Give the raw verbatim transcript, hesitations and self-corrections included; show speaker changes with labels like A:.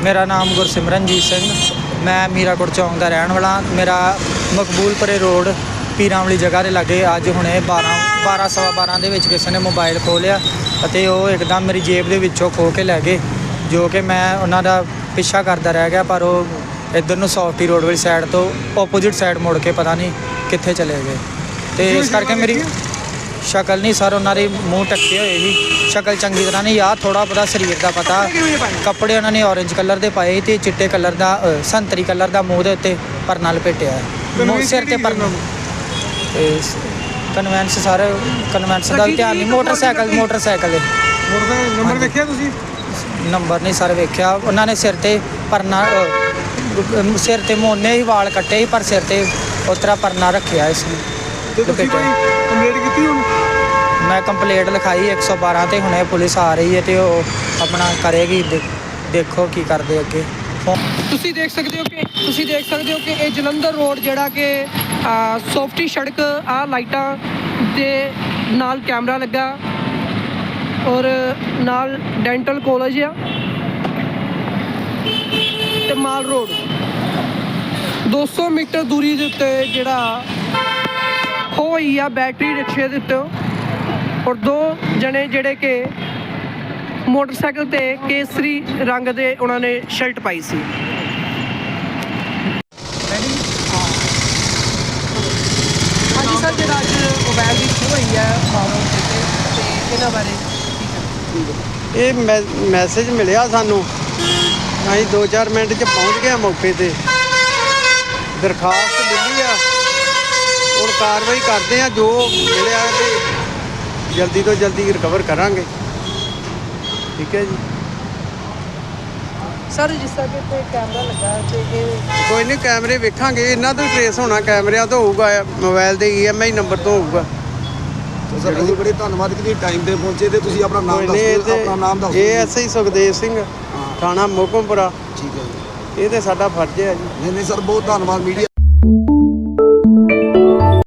A: मेरा नाम गुरसिमरनजीत सिंह। मैं मीराकोट चौंक का रहने वाला। मेरा मकबूलपुरे रोड पीरां वाली जगह के लागे अज हुणे बारह बारह सवा बारह के विच किसी ने मोबाइल खो लिया ਅਤੇ ਉਹ एकदम मेरी जेब ਦੇ ਵਿੱਚੋਂ ਖੋ ਕੇ ਲੈ ਗਏ, ਜੋ ਕਿ ਮੈਂ ਉਹਨਾਂ ਦਾ ਪਿੱਛਾ ਕਰਦਾ ਰਹਿ ਗਿਆ। ਪਰ ਉਹ ਇੱਧਰ ਨੂੰ ਸੌਫਟੀ ਰੋਡ ਵਾਲੀ ਸਾਈਡ ਤੋਂ ਓਪੋਜਿਟ ਸਾਈਡ ਮੁੜ ਕੇ ਪਤਾ ਨਹੀਂ ਕਿੱਥੇ ਚਲੇ ਗਏ। ਅਤੇ ਇਸ ਕਰਕੇ ਮੇਰੀ ਸ਼ਕਲ ਨਹੀਂ ਸਰ, ਉਹਨਾਂ ਦੇ ਮੂੰਹ ਢੱਕੇ ਹੋਏ ਸੀ, ਸ਼ਕਲ ਚੰਗੀ ਤਰ੍ਹਾਂ ਨਹੀਂ ਯਾਰ, ਥੋੜ੍ਹਾ ਬਹੁਤਾ ਸਰੀਰ ਦਾ ਪਤਾ। ਕੱਪੜੇ ਉਹਨਾਂ ਨੇ ਔਰੇਂਜ ਕਲਰ ਦੇ ਪਾਏ ਅਤੇ ਚਿੱਟੇ ਕਲਰ ਦਾ ਸੰਤਰੀ ਕਲਰ ਦਾ ਮੂੰਹ ਦੇ ਉੱਤੇ ਪਰਨਾ ਲਪੇਟਿਆ, ਸਿਰ 'ਤੇ ਪਰਨਾ। ਅਤੇ ਕਨਵੈਂਸ ਸਰ, ਕਨਵੈਂਸ ਦਾ ਵੀ ਧਿਆਨ ਨਹੀਂ। ਮੋਟਰਸਾਈਕਲ ਮੋਟਰਸਾਈਕਲ
B: ਨੰਬਰ ਵੇਖਿਆ ਤੁਸੀਂ?
A: ਨੰਬਰ ਨਹੀਂ ਸਰ ਵੇਖਿਆ। ਉਹਨਾਂ ਨੇ ਸਿਰ 'ਤੇ ਪਰਨਾ, ਸਿਰ 'ਤੇ ਮੋਨੇ ਹੀ ਵਾਲ ਕੱਟੇ ਸੀ, ਪਰ ਸਿਰ 'ਤੇ ਉਸ ਤਰ੍ਹਾਂ ਪਰਨਾ ਰੱਖਿਆ ਇਸ ਨੂੰ।
B: ਕੰਪਲੇਂਟ ਕੀਤੀ ਹੁਣ?
A: ਮੈਂ ਕੰਪਲੇਂਟ ਲਿਖਾਈ ਇੱਕ ਸੌ ਬਾਰਾਂ 'ਤੇ, ਹੁਣੇ ਪੁਲਿਸ ਆ ਰਹੀ ਹੈ ਅਤੇ ਉਹ ਆਪਣਾ ਕਰੇਗੀ। ਦੇਖੋ ਕੀ ਕਰਦੇ ਅੱਗੇ।
C: ਤੁਸੀਂ ਦੇਖ ਸਕਦੇ ਹੋ ਕਿ ਤੁਸੀਂ ਦੇਖ ਸਕਦੇ ਹੋ ਕਿ ਇਹ ਜਲੰਧਰ ਰੋਡ ਜਿਹੜਾ ਕਿ ਸੌਫਟੀ ਸੜਕ ਆ, ਲਾਈਟਾਂ ਦੇ ਨਾਲ ਕੈਮਰਾ ਲੱਗਾ ਔਰ ਨਾਲ ਡੈਂਟਲ ਕਾਲਜ ਆ ਤੇ ਮਾਲ ਰੋਡ ਦੋ ਸੌ ਮੀਟਰ ਦੂਰੀ ਦੇ ਉੱਤੇ ਜਿਹੜਾ ਹੋਈ ਆ ਬੈਟਰੀ ਰਿਕਸ਼ੇ ਦੇ ਉੱਤੇ। ਔਰ ਦੋ ਜਣੇ ਜਿਹੜੇ ਕਿ ਮੋਟਰਸਾਈਕਲ ਤੇ ਕੇਸਰੀ ਰੰਗ ਦੇ ਉਹਨਾਂ ਨੇ ਸ਼ਰਟ ਪਾਈ ਸੀ। ਹਾਂਜੀ ਸਰ, ਜਿਹੜਾ ਅੱਜ ਮੋਬਾਈਲ ਦੀ ਖੋਹ ਹੋਈ ਹੈ ਮਾਰੋ ਤੇ ਇਹਨਾਂ ਬਾਰੇ
D: ਇਹ ਮੈਸੇਜ ਮਿਲਿਆ ਸਾਨੂੰ, ਅਸੀਂ ਦੋ ਚਾਰ ਮਿੰਟ 'ਚ ਪਹੁੰਚ ਗਏ ਮੌਕੇ 'ਤੇ। ਦਰਖਾਸਤ ਮਿਲੀ ਆ, ਹੁਣ ਕਾਰਵਾਈ ਕਰਦੇ ਆ, ਜੋ ਮਿਲਿਆ ਤੇ ਜਲਦੀ ਤੋਂ ਜਲਦੀ ਰਿਕਵਰ ਕਰਾਂਗੇ। ਠੀਕ ਹੈ ਜੀ
C: ਸਰ, ਜਿਸ ਤਰ੍ਹਾਂ ਕਿ ਇੱਥੇ ਕੈਮਰਾ ਲੱਗਾ ਤੇ ਇਹ
D: ਕੋਈ ਨਹੀਂ, ਕੈਮਰੇ ਵੇਖਾਂਗੇ, ਇਹਨਾਂ ਤੋਂ ਟਰੇਸ ਹੋਣਾ, ਕੈਮਰਿਆਂ ਤੋਂ ਹੋਊਗਾ, ਮੋਬਾਈਲ ਦੇ ਈ ਐਮ ਆਈ ਨੰਬਰ ਤੋਂ ਹੋਊਗਾ।
B: ਸਰ ਅਸੀਂ ਬੜੇ ਧੰਨਵਾਦ ਕਿ ਟਾਈਮ 'ਤੇ ਪਹੁੰਚੇ ਤੇ ਤੁਸੀਂ ਆਪਣਾ ਨਾਮ ਦੱਸੋ। ਆਪਣਾ ਨਾਮ ਦੱਸੋ।
D: ਇਹ ਐਸ ਆਈ ਸੁਖਦੇਵ ਸਿੰਘ, ਥਾਣਾ ਮੋਹਕਮਪੁਰਾ।
B: ਠੀਕ ਹੈ ਜੀ,
D: ਇਹ ਤਾਂ ਸਾਡਾ ਫਰਜ਼ ਹੈ ਜੀ।
B: ਨਹੀਂ ਨਹੀਂ ਸਰ, ਬਹੁਤ ਧੰਨਵਾਦ ਮੀਡੀਆ।